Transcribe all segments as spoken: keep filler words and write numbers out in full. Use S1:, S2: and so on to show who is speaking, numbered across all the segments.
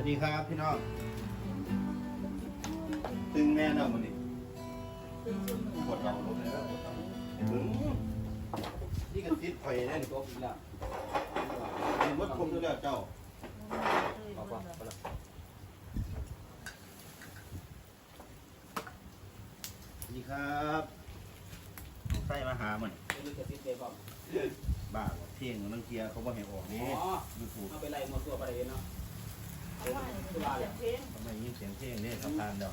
S1: ดีครับพี่น้องตึงแม่เนาะมันนี่ปวดเราลงเลยแล้วถึงนี่ก็ติดไฟแน่นก็อีกแล้วเป็นวัดคมด้วยแล้วเจ้าดีครับใส่มาหามันบ้าเที่ยงนังเกียร์เขาบอกให้ออกนี่ยูทูบ
S2: เอาไปไล่หมดตัวไปเลยเนาะ
S1: ทำไมยิ่งเสียงเพลงนี่สำคัญเดียว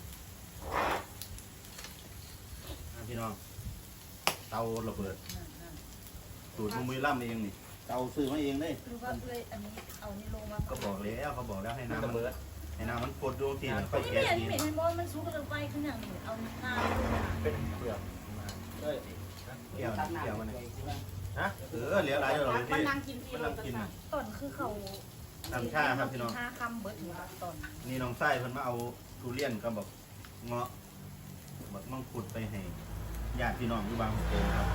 S1: พี่น้องเตาระเบิดสูตรมือล่ำเองนี่เตาซื้อมาเองเลย
S3: รู้ว่าเลยอันนี้เอานี่ลงมา
S1: ก็บอกแล้วเขาบอกแล้วให้น้ำมันให้น้ำมันกดดูทีมันค่อยแกะที
S3: นี่เห็นบอลมันสูงกระไปขึ้นอย่างนี้เอาน้ำ
S1: เป็นเปลือกมาเฮ้ยเกี่ยวเกี่ยวมันฮะเออเหลียวไหลเลยที่มันนั่งกินมันนั่งกิน
S3: ต้นคือเขา
S1: น้ำชาครับพี่น้อง
S3: ห้าคำเบิร์ดหนึ่งต้น
S1: นี่น้องไส้เพิ่นมาเอาทุเรียนก็บอกเงาะบอกมังคุดไปให้ญาติพี่น้องที่บางโพครับ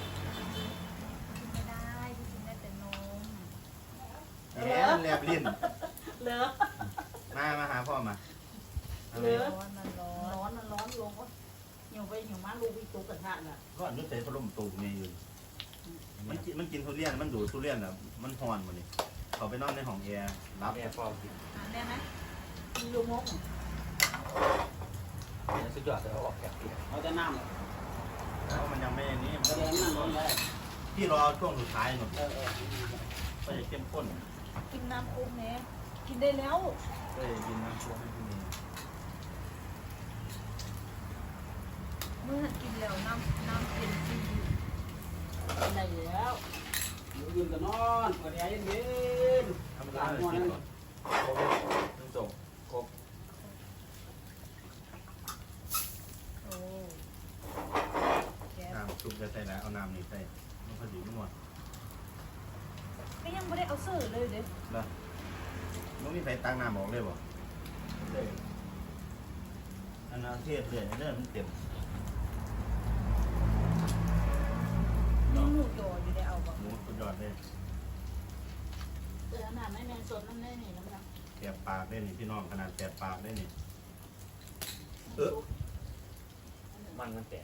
S3: ไม่ได้ที่กินได้แต่นม
S1: แหมแลบลิ้น
S3: เหลือ
S1: มามาหาพ่อมา
S3: เหลือร้อนมันร้อนร้อนมันร้อนลงก็เหี่ยวไปเหี่ยวมาลูกวิตุกกระทะน่ะ
S1: ก็อนุเสธพัดลมตูมเนี่ยอยู่มันกินมันกินทุเรียนมันดูดทุเรียนอ่ะมันหอนหมดนี่เขาไปนอนในห้องแอร์รับ
S2: แอร์ฟอร์กิน
S3: ได้ไหมมีลูกมก
S2: เนี่ยสุดยอดเลยเขาบอกแกเขาจะน้ำเลย
S1: เพราะมันยังไม่นี้มัน
S2: ก็ยังนั่งร้อนเลย
S1: ที่รอช่วงสุดท้ายหมดก็จะเข้มข้น
S3: กินน้ำคุ้มเนี่ยกินได้แล้ว
S1: ก็จะกินน้ำช่วงให้พี่นี่
S3: เมื่อกินแล้วน้ำน้ำเป็นจี
S2: ได้แล้วยืนกันนอนเปิดแอร์เย็น
S1: ๆทำร้านเลยกินก่อนต้องส่งครบ
S3: โอ้
S1: น้ำซุปจะใส่แล้วเอาน้ำนี่ใส่มันพอดีไม่หมด
S3: ก็ยังไม่ได้เอาเสื้อเลยเด้
S1: แล้วมันมีใส่ตังน้ำบอกเลยบ่เลยอันนั้นเทศเลยเนี่ยมันเต็ม
S3: มีหมูโยอยู่ได้เอาบ่
S1: หมูสุดยอดเลย
S3: เออน้ำไม่แมนสดน้ำได้นี่น้ำน้
S1: ำแสบปากได้นี่พี่น้องขนาดแสบปากได้นี่เออ
S2: มันมันแตก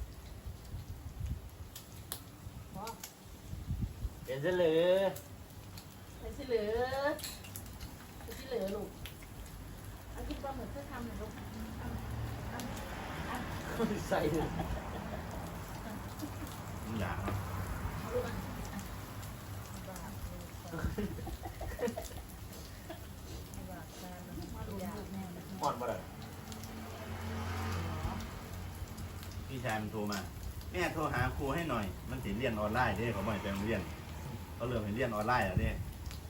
S2: เป็นเสลือ
S3: เป็นเสลือเป็นเสลือลูกเอาคิดว่าเหมือนเพื่อทำหน่อยลูก
S2: ใส่เลย
S1: อย่า
S2: อ่อนมาเลย
S1: พี่ชายมันโทรมาแม่โทรหาครูให้หน่อยมันติดเรียนออนไลน์ด้เขาบ่อยไปโรงเรียนเขาเริ่มเห็นเรียนออนไลน์แล้วเนี่ย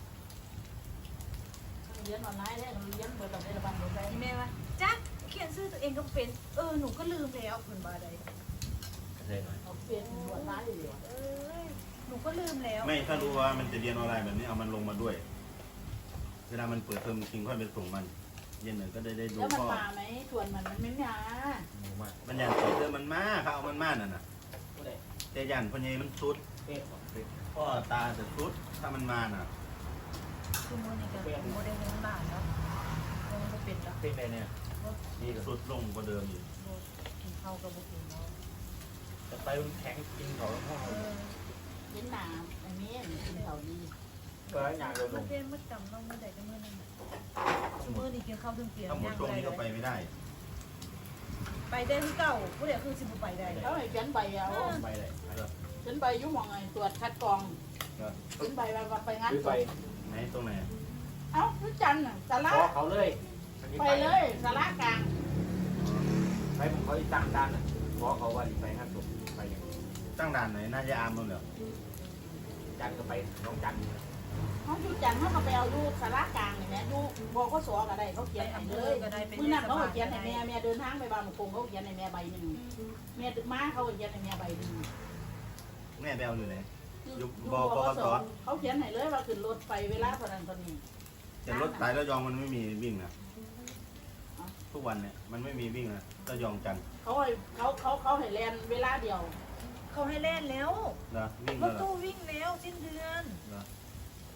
S3: เรียนออนไลน์ได้เราเรียนเปิดตำได้ระบายหมดเลยแม่ว่าจ๊ะเขียนชื่อตัวเองก็เป็นเออหนูก็ลืมแล้วเหมือนบาใดเอาเป็นหนวดร้ายอยู่เออหนูก็ลืมแล้ว
S1: ไม่ถ้ารู้ว่ามันจะเรียนออนไลน์แบบนี้เอามันลงมาด้วยเวลามันเปิดเทอมจริงค่อยไปส่งมันเย็นหนึ่งก็ได้ได้ดู
S3: พ่อแล้วมันมาไหมส่วนมันมันไม่มา
S1: มันยันเติมมันมาเขาเอามันมาน่ะนะแต่ยันพอเยมันซุดพ่อตาจะซุดถ้ามันมาน่ะ
S3: คือโมนี่ก็โมได้เงินบาทแล้วมันก็เป็นแล้ว
S2: เป็นไงเนี่ย
S1: ดีสุดลงกว่าเดิมอยู่
S3: กินข้าวกับบุกินเนาะ
S2: จะไปแข็งกินเขาแล้วพ่อ
S3: กินหนาอันนี้กินเขาดี
S2: ก็อย่างเราลง
S3: เมื่อเมื่อจำต้องเมื่อใดก็เมื่อนั้นเมื่อนี่กินข้าวถึงเปลี่ยน
S1: ถ้าหมดช่วงนี้ก็ไปไม่ได้
S3: ไปได้ที่เก่าผู้เดียวคือสิบไปได้
S4: เขาให้เขียนใบเอา
S1: ไปเลย
S4: เขียนใบยุ่งมองไงตรวจคัดกรองเขียนใบว่าไปงาน
S2: ไป
S1: ไหนตรงไหน
S4: เอ้าทุกจันทร์สาระ
S2: เขาเลย
S4: ไปเลยสาระกลาง
S2: ไปผมเขาตั้งด้านขอเขาว่าไปงานศพไป
S1: ตั้งด่านไหนน่าจะอามมั้งเหรอ
S2: จันก็ไปน้องจัน
S4: เขาทุกจันทร์เขาก็ไปเอาดูสาระกลางนี่แม่ดูบอกเขาสอก็ได้เขาเขียนให้เลยเมื่อนั้นเขาเขียนให้แม่แม่เดินทางไปบางมะกงเขาเขียนให้แม่ใบหนึ่งแม่มาเขาเขียนให้แม่ใบหนึ่ง
S1: แม่แบลอยู่ไหน
S4: อยู่บกสเขาเขียนให้เลยว่าขึ้นรถไปเวลาเท่านั้นเท่านี้
S1: แต่รถสายระยองมันไม่มีวิ่งนะทุกวันเนี่ยมันไม่มีวิ่งนะระยองจัน
S4: เขาเขาเขาเขาให้แลนเวลาเดียว
S3: เขาให้เล่นแล้ว
S1: นะวิ่ง
S3: รถตู้วิ่งแล้วสิ้นเดือน
S1: นะ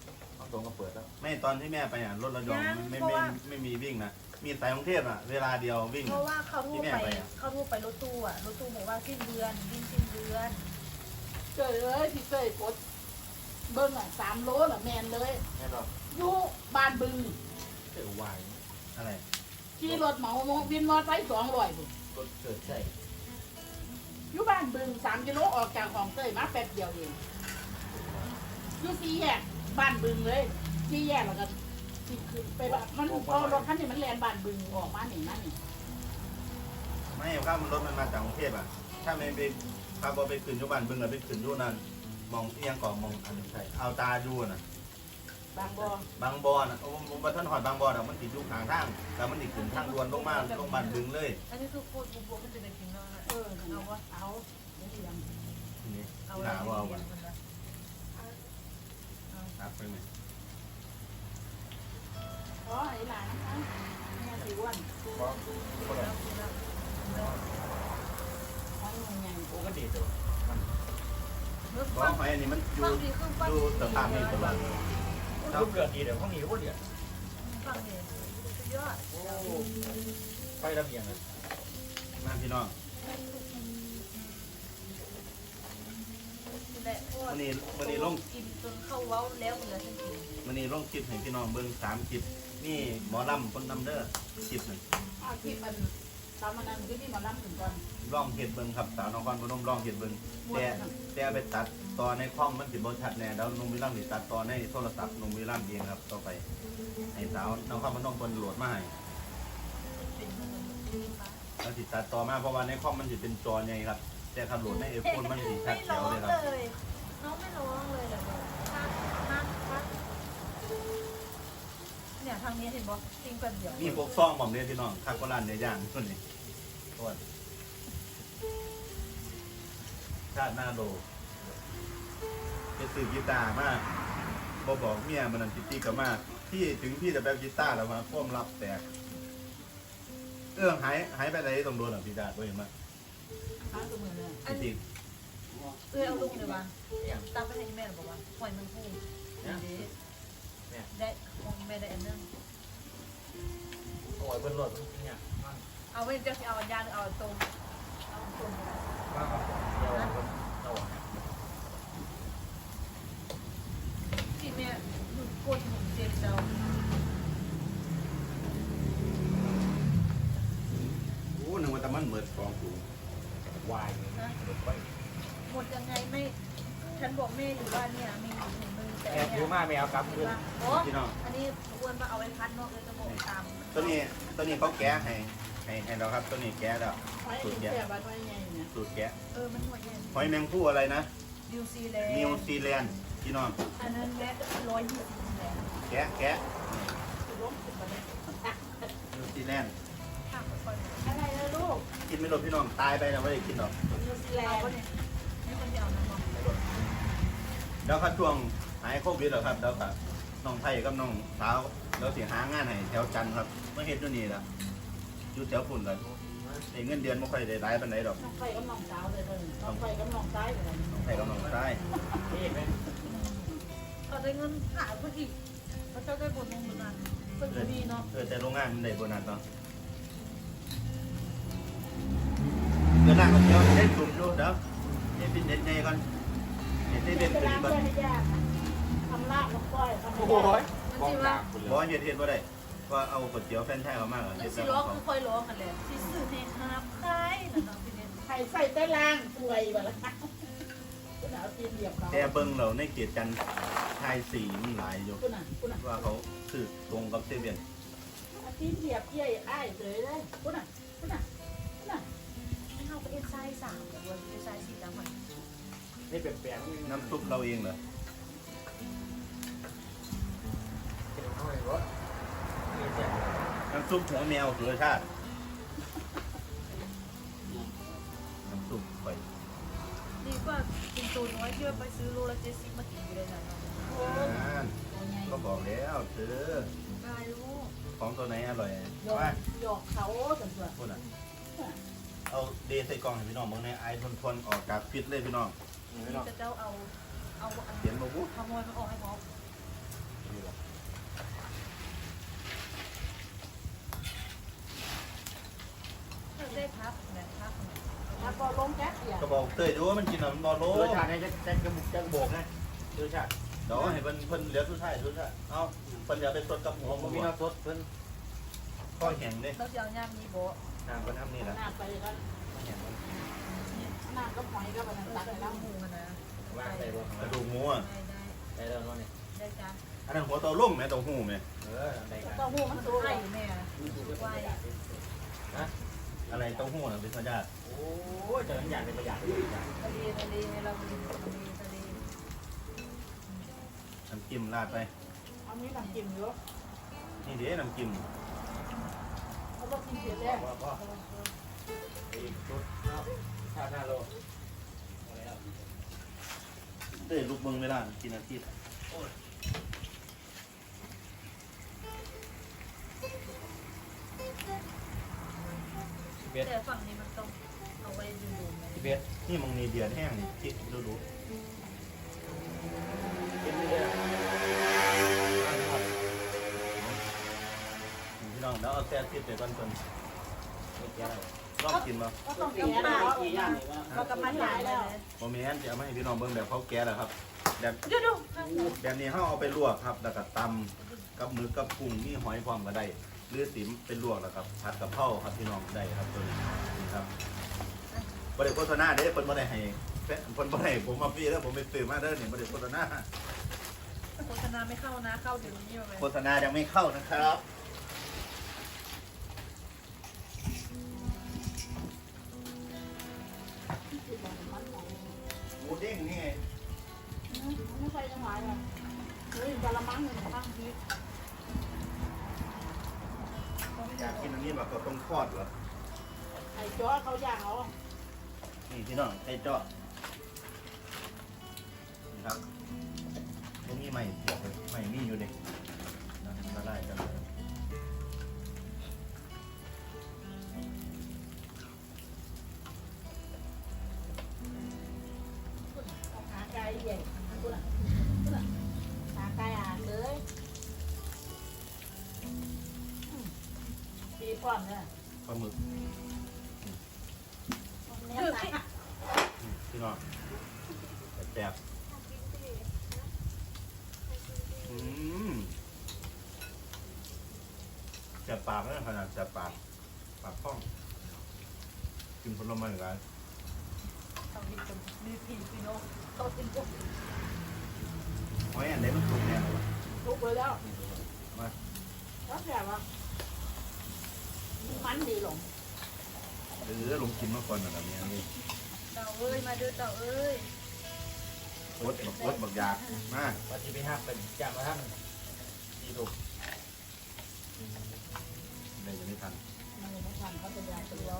S1: เอาตรงก็เปิดแล้วไม่ตอนที่แม่ไปอ่ะรถระยองไม่ไม่ไม่มีวิ่งนะมีสายกรุงเทพอ่ะเวลาเดียววิ่ง
S3: เพราะว่าเขาทู่ไปเขาทู่ไปรถตู้อ่ะรถตู้บอกว่าสิ้นเดือนวิ่งสิ้นเดือน
S4: เจอเลยพี่เคยกดเบิ้งอ่ะสามโลน่ะแมนเลย
S1: แม่หรอ
S4: อยู่บ้านบึง
S1: เกิดวายอะไร
S4: ขี่รถเหมาวินมอเตอร์ไซค์สองร้อยบุ
S1: รถเกิดใช่
S4: อยู่บ้านบึงสามกิโลออกจากของเตยมาแป๊บเดียวเองอยู่สี่แยกบ้านบึงเลยสี่แยกแล้วก็สิขึ้นไปบ้านมันพอรถคันนี้มันแลนบ้านบึงออกมาหนิมาหนิ
S1: ไม่ข้ามรถมันมาจากกรุงเทพอ่ะถ้าไม่ไปขับรถไปขึ้นยุบันบึงอะไปขึ้นยุนั่นมองเอียงก่อนมองอันนี้ใช่เอาตาดูน่ะ
S4: บางบ่อบ
S1: างบอน่ะโอ้ผมมาท่านหอดบางบอน่ะมันติดอยู่ข้างทางแต่มันติดขึ้นทางด่วนลงมาลงบันบึงเลย
S3: อันนี้คือโคตรบวกมันจะได้กินแล้วนะ
S4: เออเอาวะเอาเดี๋ยวสิยัง
S1: ทีนี้
S3: เอา
S1: หนาว่าเอา
S3: ไว้
S1: วันนับไปไหม
S4: อ๋อไอ้หลานนะคะแม่สิอ้วนทั้งมันยัง
S2: โอ้ก็ดีตัว
S1: เพราะหอยอันนี้มันอยู่อยู่สภาพนี้ตลอด
S2: รูปเดือดดีเดี๋ยวห้องนี้ก็เดือด
S3: ฟังเองสุดยอด
S2: โอ้ไประเบียงเลย
S1: มาพี่น้อง
S3: และพวก
S1: วันนี้วันนี้ลง
S3: กินจนเข้าเว้าแล้วเหลือทันที
S1: วันนี้ลงคลิปให้พี่น้องเบิ่งสามคลิปนี่หมอลำคนนำเด้อคลิปหนึ่ง
S4: เอาที่มันตามมันนั้นคือที่หมาล่ำถึงก่อน
S1: ร่องเห็ดเบิ่งครับสาวนครพนมร่องเห็ดเบิ่งแต่แต่ไปตัดต่อในคอมมันสิบ่ชัดแน่แล้วนุ่มวิลัมสิตัดต่อในโทรศัพท์นุ่มวิลัมเองครับต่อไปให้สาวนครพนมเพิ่นโหลดมาให้
S3: เป็นเงิน
S1: แล้วสิตัดต่อมาเพราะว่าในคอมมันสิเป็นจอใหญ่ครับ แต่ขับโหลดในไอโฟนมันสิชัด
S3: ไม่
S1: แจ๋
S3: ร้
S1: ว
S3: อง
S1: เลยครับ
S3: เลยน้องไม่ร้องเลยเหรอฮักฮักฮักเนี่ยทางนี้เห็นบ่จริงแบบเดียว
S1: มีพวกซองผมเนี่ยพี่น้องคาโกรันในย่างตัวนี้โทษชาติหน้าโลจะซื้อกีตาร์มากบอบอกเมียมันนั่นติตีกับมากพี่ถึงพี่จะแบบกีตาร์แล้วมาพ่วงรับแตกเอื้องหายหายไปไหนตรงโดนหรอพี่ดาตัวเห็นไหม
S4: ข้างตัวมือเลย
S3: อัน
S1: จริง
S3: เออเอาลูกเลยวะตั้งไปให้แม่หรือเปล่าวะหอยมันพุ่งได้ของแม่ได้อันนึง
S2: โอ้ยบนรถเนี่ย
S3: เอาไว้จะเอายาหรือเอาตรงเอาตรง
S2: บ้าครับเดี๋ยวเรา
S3: ที่แม่ดูกดหมุนเจ็บเจ้า
S1: โอ้หนึ่งวันแต่มันเหมือนฟองสูง
S2: วายนะหมดไป
S3: หมดยังไงไม่ฉันบอกแม่อยู่ว่าเนี่ยมีอยู่หนึ่งมือแต่
S2: แอบถือมาแมวกับขึ้น
S3: โอ้อันนี้อ้วนมาเอาไว้พัดนอกเลยจะบอกตาม
S1: ตัวนี้ตัวนี้เขาแก้ให้ให้ให้เราครับตัวนี้แก้แล้ว
S4: ไว้ที่แก่บ้านไว้ไงเนี่ย
S1: สูตรแก้
S3: เออมันหัวเย็น
S1: หอยแมงผู้อะไรนะ
S3: นิวซีแลนด์
S1: นิวซีแลนด์พี่น้อง
S3: อันนั้นแม็กร้อยยี่สิบแลนด์
S1: แกะแกะ
S4: คือล้มขึ้นมาเนี่ย
S1: นิวซีแลนด์
S3: ข้ามไปก่อน
S4: อะไรนะลูก
S1: กินไม่หมดพี่น้องตายไปนะไม่ได้กินหรอก
S4: นิวซีแล
S3: เอา
S4: น
S3: ก็
S4: ด์
S3: เนี่ยนี่คนเดียวนะมอง
S1: แล้วครับช่วงหายโควิดแล้วครับแล้วครับน้องไทยกับน้องสาวแล้วสิหางานให้แถวจันทร์ครับเมื่อเฮ็ดอยู่นี่ล่ะอยู่แถวฝุ่นกันได้เงินเดือนไม่ค่อยได้หลายปานใดดอก
S4: น้องไฟกับน้องสาวเลยเลยน้องไฟกับน้องซ้ายเลย
S1: น้องไทยกับน้องชาย
S2: นี่ไหม
S3: เขาได้เงินหาเพื่ออีกเขาจะได้บนลงบนนั้นเพื่อดีเนาะ
S1: เออแต่โรงงานมันได้โบนัสเนาะเดี๋ยวนั่งกันเดี๋ยวได้กลุ่มอยู่เดี๋ยวให้เป็นเด็ดในก่อนเห็นได้เป็น
S4: จะ
S1: เป็น
S4: ล้าง
S1: ก่อน
S4: เพื่อนให้ยากทำลาบกับก้อยทำ
S2: โอ้
S4: โอ้
S2: ยมองตาคุณเล
S1: บอกว่าย เฮ็ดเฮ็ดบ่ได้ว่าเอาก๋วยเตี๋ยวแฟรนไชส์เขามากเหรอ
S3: แล้
S1: เฮ็
S3: ว
S1: ด
S3: สิ
S1: แล้ว
S3: ร้อง
S1: เขา
S3: คือคอยร้องกันเลยที่สื่อในคาบคล้ายนะน้องพี่เนี่ย
S4: ไข่ใส่ใต้ล่างป่วยแบบละคุณเอาตีนเหยียบเขา
S1: แต่เบิ่งเราในเกียรติจันทร์ชายสีมันหลายอยู่
S4: คุณอ่ะคุณอ่ะ
S1: ว่าเขาคือตรงกับเซเว่น
S4: ตีนเหยียบเยี่ยอ้ายเลยเลยคุณอ่ะคุณอ่ะคุณอ่ะ
S3: ให้เขาไปเอ็นไซส์สามเดี๋ยววันเอ็นไซส์สี่แล้วมัน
S2: นี่เป็นแปลง
S1: น้ำซุปเราเองเหรอ
S2: เป็นห้อยรถนี่เสีย
S1: น้ำซุปหัวแมวสุรชาติน้ำซุปไป
S3: ดีกว่ากินตัวน้อยที่ว่าไปซื้อโลละเจ็ดสิบมากินอยู่เลยนะน้อง
S1: นั่นก็บอกแล้วซื้อ
S3: ได้ลูก
S1: ของตัวไหนอร่อย
S4: หยอก
S1: ว่า
S4: หยอกเขาสันตัว
S1: พูดอ่ะเอาเดใส่กล่องให้พี่น้องเบิ่งในไอทนทนออกจากฟิตเลยพี่น้อง
S2: ไม่หรอก
S3: จะเจ้าเอาเอาอัน
S1: เขียนมาวุ้
S3: ขโมยมันออกให้หมอ
S2: อยู่หรอก
S3: ได้พักแบบพัก
S4: แล้วก็ลงแก๊สเสีย
S1: ก็บอกเตยดูว่ามันกินน้ำบอลโล
S2: รสชาติเนี่ยจะจะกระบุกจะโบกนะรสชาติ
S1: เดี๋ยวให้เพิ่นเพิ่นเหลือสุดท้ายสุดท้ายเอาเพิ่นอย่าไปสดกับหัว
S2: ผม
S1: ผม
S2: มีน้ำซดเพิ่น
S1: ก็แห้งเด้
S3: เราจะเอาย่ามนี้โบ
S2: น้ำเพิ่นทำนี่แหละ
S4: หน้าไปก็
S2: แห้ง
S4: หน้าก็หอยก็แบบนั้นตัก
S3: ใส่
S4: ไปแล้ว
S3: หมูนะ
S2: ว่างใส่บ่
S1: กระดูกหมูอ่ะ
S3: ได้ได้
S2: ใส่แล้วนั่นนี่
S3: ได้จ้ะ
S1: อันนั้นหัวเตาลุ่มแม่เตาหู้แม่
S2: เออใส่กัน
S4: เต้าหู้มันสูง
S3: ไข่แม่
S2: ไว้
S1: อะไรเตาหู้น่ะเป็นธรรมชาติ
S2: โอ้ยเจออย่างเป็นประหยัดเลยอย่าง
S3: ทะเลทะเลเรามีทะเลทะเล
S1: น้ำจิ้มราดไป
S4: เอามีน้ำจิ้มเยอะ
S1: นี่เด้น้ำจิ้ม
S4: เขาต้องกินเสียแล้ว
S2: ว่าก็อีกชุดชาติหน้าโล
S1: เต้ยลูกเมืองเวลากินอาทิตย์
S2: สิบเอ็ด
S3: แต่ฝั่งนี้มันต้องเอาไว้ดูดูไหม
S2: สิบเอ็ด
S1: นี่มึงนี่เดือดแห้งนี่คิดดูดู
S2: กินไม่ได้
S1: พี่น้องแล้วเอาแซ่บคิดไปก่อนคน
S2: ไม่แก่แล้ว
S1: ลองกินมา
S4: ก็ต้องแก่แล้ว
S3: เรากำลังหลายแล้ว
S1: โมเมนต์จะเอามาให้พี่น้องเบิ่งแบบเขาแก่แล้วครับแบบ
S3: ดูดู
S1: แบบนี้เขาเอาไปลวกครับแล้วก็ตำกับมือกับกุ้งนี่หอยพร้อมก็ได้หรือติ๋มเป็นลวกแล้วครับผัดกับเผาครับพี่น้องได้ครับตัวนี้นี่ครับบริโภคโฆษณาเด้เพิ่นบ่ได้ให้เพิ่นบ่ได้ให้ผมมาฟรีแล้วผมไปซื้อมาเด้อนี่บริโภคโฆษณา
S3: โฆษณาไม่เข้านะเข้าเดี๋ยวนี้เลย
S1: โฆษณายังไม่เข้านะครับหมูเด้งนี่ไง
S4: ไม่ใช่ยังไงอ่ะเฮ้ยกะละมังหนึ่งข้างพีช
S1: อยากกินอันนี้แบบก็ต้องทอดเหรอ
S4: ไอ้จ้อเขาย่างเอา
S1: นี่พี่น้องไก่เจาะนี่ครับตรงนี้ใหม่เสียบเลยใหม่มีอยู่เด็กนะละลายกันเลย
S4: หาไก่ใหญ่คุณอ่ะคุณอ่ะหาไก่อ่านเลยปีก่อนเนี่ย
S1: ปลาหมึก
S4: เนี่ยตาย
S1: อืมพี่น้องแซ่บอืมแซ่บปากนะขนาดแซ่บปากปากคล่องกินผลไม้เหมือนกัน
S3: ต้องมีคนมีผีพี่น้องเขาเป็นพวก
S1: หอยอันไหนมันสุกแน่เลยวะ
S4: ทุกไปแล้ว
S1: มา
S4: แล้วแต่ว่ามันดีหลง
S1: เออลงกินมาก่อนนะแบบนี้นี่
S3: เต่าเอ้ยมาเด้อเต่าเอ้ย
S1: รสบักรสบักยากมา
S2: ว่าที่ไปห้ามเป็นจำมาทำดีถูก
S1: ได้ยังไม่ทัน
S4: มันไม่ทันเขาจะยาตัว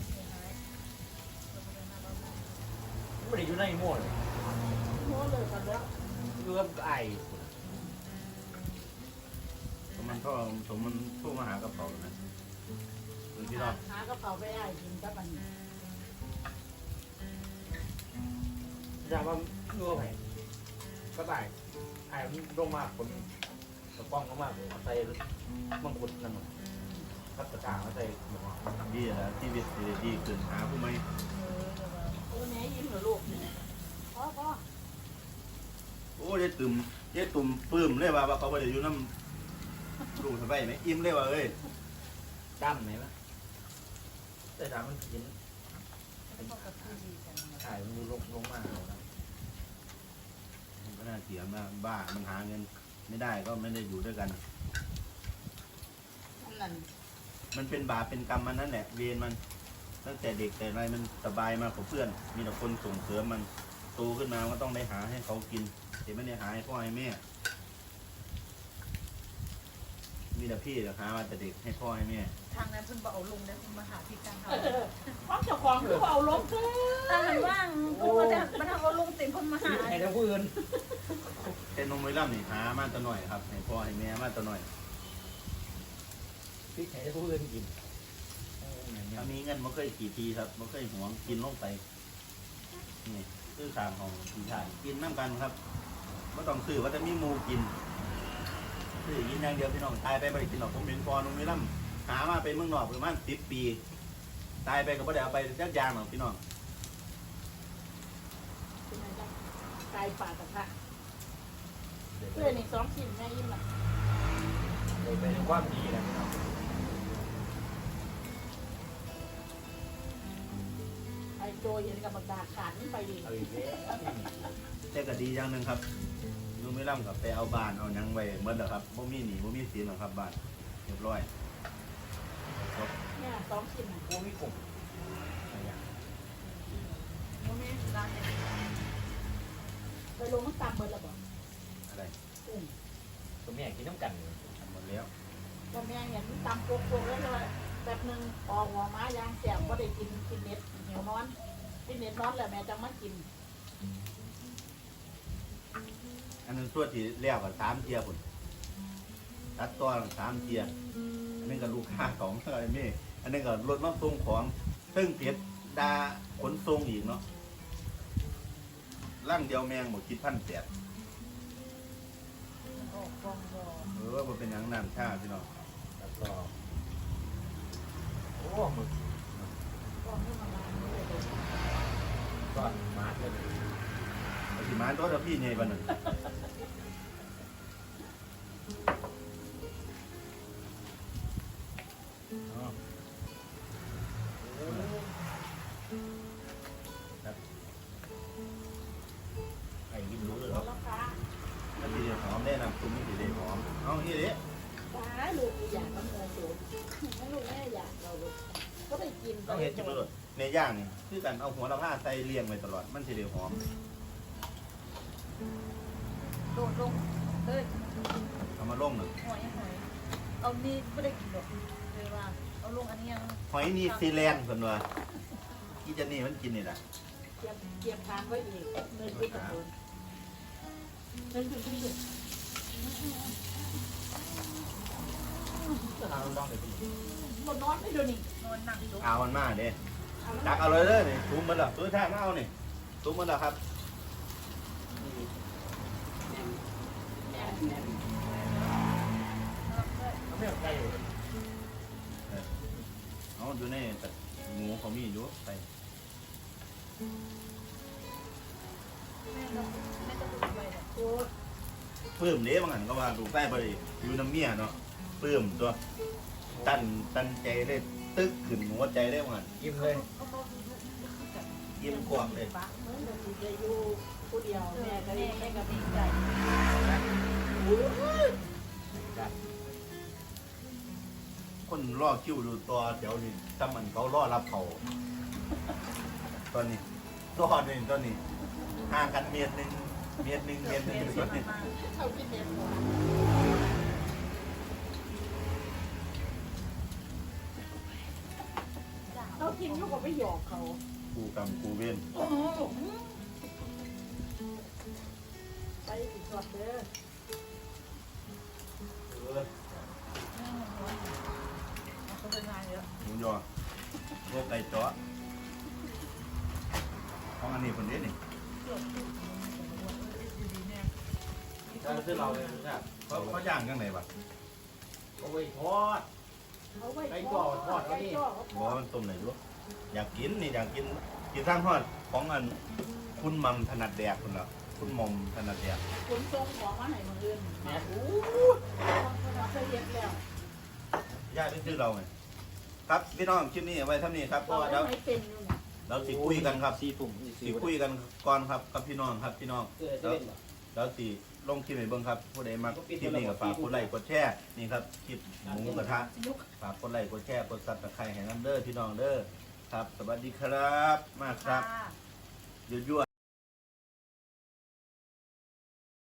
S2: ไม่ได้อยู่ในหม้อเลย
S4: โม้เลยกันแล้ว
S2: อยู่กับไอ้
S1: สมมันก็สมมันโทั่วมาหากระเป๋านะหรือพี่น้อง
S4: หากระเป๋าไปได้กินกับมัน
S2: จำว่านัวไปก็ได้ไอ้มันลงมากคนกระป้องเขามากเลยใส่มังคุดนั่นพัดกระถางใส่หมู
S1: ดีแล้วชีวิตสิได้ดีขึ้นหาผู้ไหม
S4: ตัวนี้ยิ้มเหรอลูกพ่อพ่อ
S1: โอ้ยายตุ่มยายตุ่มปลื้มเลยว่าว่าเขาไปอยู่น้ำลุงสบายไหมอิ่มเลยว่าเอ้ย
S2: ดำไหมวะแต่ดำมันกิน
S3: เขากับพี่ดีกัน
S2: ไอ้มันลงลงมาแล้วนะ
S1: มันก็น่าเสียมากบ้ามันหาเงินไม่ได้ก็ไม่ได้อยู่ด้วยกัน
S4: นั่น
S1: มันเป็นบาปเป็นกรรมมันนั่นแหละเวรมันตั้งแต่เด็กแต่อะไรมันสบายมากกว่าเพื่อน มีแต่คนส่งเสริมมันโตขึ้นมาก็ต้องได้หาให้เขากินแต่ไม่ได้หาให้พ่อให้แม่ มีแต่พี่แต่หามาแต่เด็กให้พ่อให้แม่
S3: ทางนั้นเพิ่นบอกเอาลงได้คุณมาหาพี่กลางเขา
S4: พ่อเจ้าของคือเอาลงเถอะ
S3: ถ้าหันว่างคุณมาจะมาทำเอาลงเต็มคนมาหา
S2: ไอ้ทั้งผู้อื่น
S1: เป็นนมไวล่ำนี่หามาแตะหน่อยครับให้พ่อให้แม่มาแตะหน่อย
S2: พริกไอ้ทั้งผู้อื่นกิน
S1: ถ้ามีเงินมันเคยกี่ทีครับมันเคยหวงกินลงไปนี่ซื้อสามของพี่ชายกินน้ำกันครับไม่ต้องซื้อว่าจะมีหมูกินซื้อกินอย่างเดียวพี่น้องตายไปบ่ได้กินหรอกผมเห็นพอนุ่มนี่ล่ำหามาไปเมืองนอกประมาณสิบปีตายไปก็บ่ได้เอาไปจักอย่างหรอกพี่น้อง
S4: เป็นไงจ๊ะไก่ป่ากระทะเพื่อนอีกสองชิ้นแม่ยิ้มละ
S2: เลยเป็นความดีนะพี่น้อง
S4: ไอ้โจเย็นกับบักดาขาดนี่ไปดิ
S2: เอาอีกแล้ว
S1: แต่ก็ดีอย่างหนึ่งครับนุ่มนี่ล่ำกับไปเอาบ้านเอาหยังไว้หมดแล้วครับบ่มีหนี้บ่มีสินหรอกครับบ้านเรียบร้อย
S4: เนี่ยสองชิ้นน่ะ
S2: โอ้มีกลุ่มอะไรอย่าง
S3: โมเมนต์ร้านเนี่ย
S4: ไปลงน้ำตาลเบิดแล้วบ่
S1: อะไร
S4: กุ้ง
S2: ตัวแม่กินน้ำกันเลย
S1: ทำหมดแล้ว
S4: ก็แม่เห็นตำโกกๆแล้วเลยแบบหนึงออกหัวม้ายางแสบก็ได้กินกินเน็ตเหนียวนอนกินเน็ตนอนแหละแม่จังมากิน
S1: อันนั้นส่วนที่เรียกว่าสามเทียพุ่นตัดตัวสามเทียอันนี้ก็ลูกค้าของอะไรนี่อันนี้ก็รถมาส่งของซึ่งเก็บดาขนส่งอีกเนาะร่างเดียวแมงหมดคิดพันแปด
S3: ออกกองบอ
S1: เออมันเป็นหยังน้ำชาพี่น้อง
S2: แล้วก็โอ้หมึก
S4: กองนี่มามาเลยเลย
S2: ก้อนมาร์กเลย
S1: ไอ้ที่มาตัวเดียวพี่ไงบ้านนึงอ๋อ
S2: โอ้ไอ้กินรู้เลยเหรอ
S4: แล้วค่ะ
S1: แล้วทีเดียวหอมได้น้ำตุ้มนี่ทีเดียวหอมเอาอย่างนี้ดิ
S4: ฟ้าลูกอยากมันเงินสูงไม่ลูกแม่อยากเราลูกก็ไปกิน
S1: ต้องเห็ดจิ้มเลยในย่างนี่คือกันเอาหัวละผ้าใส่เรียงไว้ตลอดมันทีเดียวหอม
S3: โดดลงเลย
S1: เอามาลงหนึ่ง
S3: หอยหอยเอานี่ไม่ได้กินหรอกเลยว่าเอาลงอันนี้ยัง
S1: หอยนิวซีแลนด์คนว่าที่จะนี่มันกินนี่แหละ
S4: เกียบเกียบทานไว้อีกเงินขึ้นกับคนเงินขึ้นขึ้นขึ้น
S2: จะทำลองไปกิน
S4: บนนอนไม่ดูนี่
S3: นอนนั่งจุก
S1: เอามันมาเด้ตักเอาเลยเด้อนี่ตุ้มมันแล้วตุ้ยแท้มาเอานี่ตุ้มมันแล้วครับ
S2: เขาไม่เอาใกล้เลย
S1: เอาดูนี่แต่หมูเขามีอยู่ไป
S3: แม่ก็แม่ก็ดูไปเลย
S4: โอ้
S1: ปลื้มเด้บางอันก็ว่าลูกใต้บ่ได้อยู่น้ำเมียเนาะปลื้มตัวตันตันใจได้ตึกขึ้นหัวใจได้บางอัน
S2: กินเลย
S3: เขาบอกดูดูกัน
S1: ยิ้มกว้างเลย
S4: เหมือนแบบจะอยู่ผู้เดียว
S3: เอ
S4: แม่
S3: อ
S4: ก็
S3: แม่
S4: ได้
S3: แม่
S4: แม่
S3: ก็
S4: กับ
S3: ดีใจ
S2: กัน
S1: คนรอคิวดูตัวแถวนี้ถ้ามันเขารอรับเขาตอนนี้ตัวนี่ตอนนี้ห่างกันเมตรหนึ่งเมตรหนึ่งเมตรหนึ่งตอนนี้
S4: เท่าที่เห็น เขากินเขาก็ไม่หยอกเขา
S1: กูกรรมกูเว้น
S4: ไปสิสอดเด้อ
S1: เออ
S3: เขาเป็นงานเยอะ
S1: หมูยอพวกไก่จ้อของอันนี้คนนี้นี่
S3: เกือบทุกคนดีๆเนี่ย
S2: ถ้าซื้อเราเลยนะ
S1: เขาเขาย่างยังไงวะ
S2: โอ้ยทอด
S4: เขาไว้
S2: ไก่จ่อทอดเขาดิ
S4: ไก่จ่อเขา
S1: บอกว่ามันต้มไหนรู้อยากกินนี่อยากกินกินสร้างทอดของอันคุณมัมถนัดแดกคุณเหรอคุณมอมถนัดแดก
S4: ขนส่งของมาให้มืออื่น
S2: แม่
S4: โอ้เขาเคยเห็นแล้ว
S1: ย่าซื้อเราไงครับพี่น้องคลิปนี้ไว้เท่านี้ครับเพ
S4: เรา
S1: ราะว่า
S4: ได้
S1: เรา
S4: ไม่เป็นอยู่เนี่ย
S1: เราสิคุยกันครับ
S2: สี่ถุง
S1: สิคุยกันก่อนครับกับพี่น้องครับพี่น้อง
S2: เกิดจะเล่นเหรอ
S1: แล้วสิลงคลิปให้เบิ่งครับผู้ใดมาคลิปนี้ก็ฝากกดไลค์กดแชร์นี่ครับคลิปหมูกระทะ
S3: ลุก
S1: ฝากกดไลค์กดแชร์กดซับสไครต์ให้น้ำเด้อพี่น้องเด้อครับ สวัสดีครับมากครับ
S3: ค่ะ
S1: ยั่วๆ